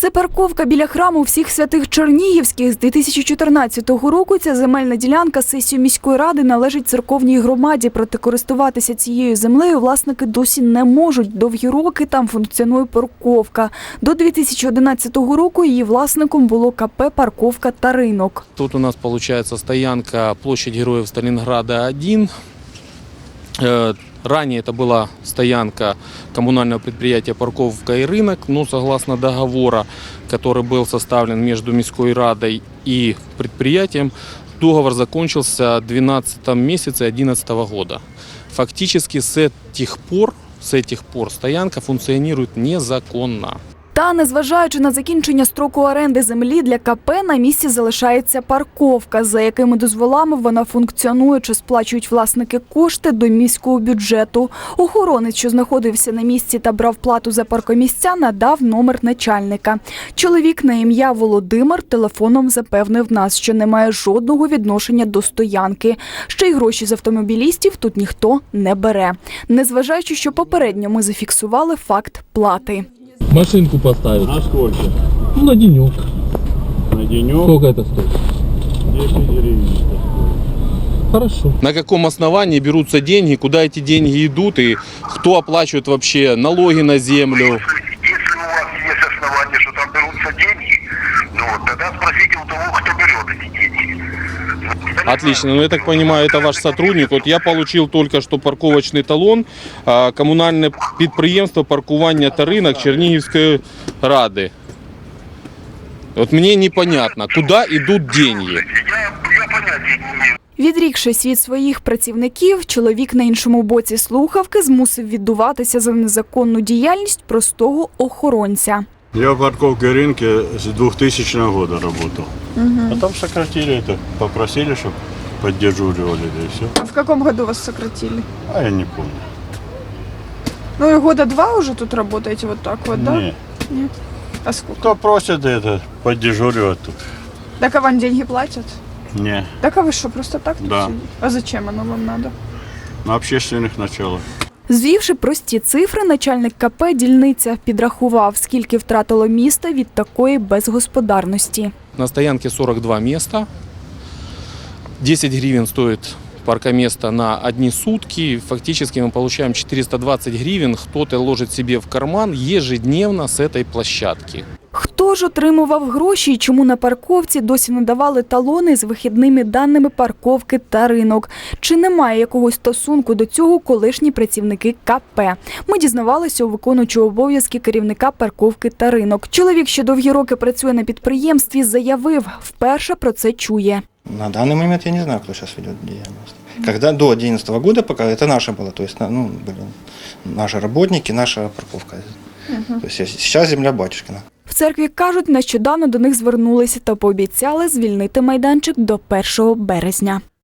Це парковка біля храму всіх святих Чернігівських. З 2014 року ця земельна ділянка сесії міської ради належить церковній громаді. Проте користуватися цією землею власники досі не можуть. Довгі роки там функціонує парковка. До 2011 року її власником було КП «Парковка та ринок». Тут у нас получается стоянка площадь Героев Сталинграда 1. Ранее это была стоянка коммунального предприятия «Парковка и рынок», но согласно договора, который был составлен между Міської радой и предприятием, договор закончился в 12 месяце 2011 года. Фактически с этих пор стоянка функционирует незаконно. Та, незважаючи на закінчення строку оренди землі, для КП на місці залишається парковка, за якими дозволами вона функціонує, чи сплачують власники кошти до міського бюджету. Охоронець, що знаходився на місці та брав плату за паркомісця, надав номер начальника. Чоловік на ім'я Володимир телефоном запевнив нас, що не має жодного відношення до стоянки. Ще й гроші з автомобілістів тут ніхто не бере. Незважаючи, що попередньо ми зафіксували факт плати. Машинку поставить. На сколько? Ну, на денек. На денек? Сколько это стоит? 10 гривен. Хорошо. На каком основании берутся деньги, куда эти деньги идут и кто оплачивает вообще налоги на землю? Если у вас есть основания, что там берутся деньги, ну вот, тогда спросите у того, кто берет эти деньги. Отлично, ну я так понимаю, это ваш сотрудник. Вот я получил только что парковочный талон, коммунальное підприємство «Паркування та ринок» Чернігівської ради. Вот мне непонятно, куда идут деньги. Я понятия не имею. Відрікшись від своїх працівників, чоловік на іншому боці слухавки змусив віддуватися за незаконну діяльність простого охоронця. Я в парковке рынке с 2000 года работал. Потом сократили это, попросили, чтобы поддерживали, да и все. В каком году вас сократили? А я не помню. Ну и года 2 уже тут работаете вот так вот, да? Не. Нет. А сколько? Кто просит это, поддежуривать тут? Так а вам деньги платят? Не, Так а вы что, просто так тут Да. сидите? А зачем оно вам надо? на общественных началах. Звівши прості цифри, начальник КП «Дільниця» підрахував, скільки втратило місто від такої безгосподарності. На стоянке 42 места. 10 гривен стоит паркоместо на одни сутки. Фактически мы получаем 420 гривен. Кто-то ложит себе в карман ежедневно с этой площадки. Хто ж отримував гроші і чому на парковці досі не давали талони з вихідними даними парковки та ринок? Чи немає якогось стосунку до цього колишні працівники КП? Ми дізнавалися у виконуючого обов'язки керівника парковки та ринок. Чоловік, що довгі роки працює на підприємстві, заявив, вперше про це чує. На данный момент я не знаю, кто сейчас ведет деятельность. Когда до 2011 года, пока это наше было, то есть были наши работники, наша парковка. То есть сейчас земля батюшкина. В церкві кажуть, нещодавно до них звернулися та пообіцяли звільнити майданчик до 1 березня.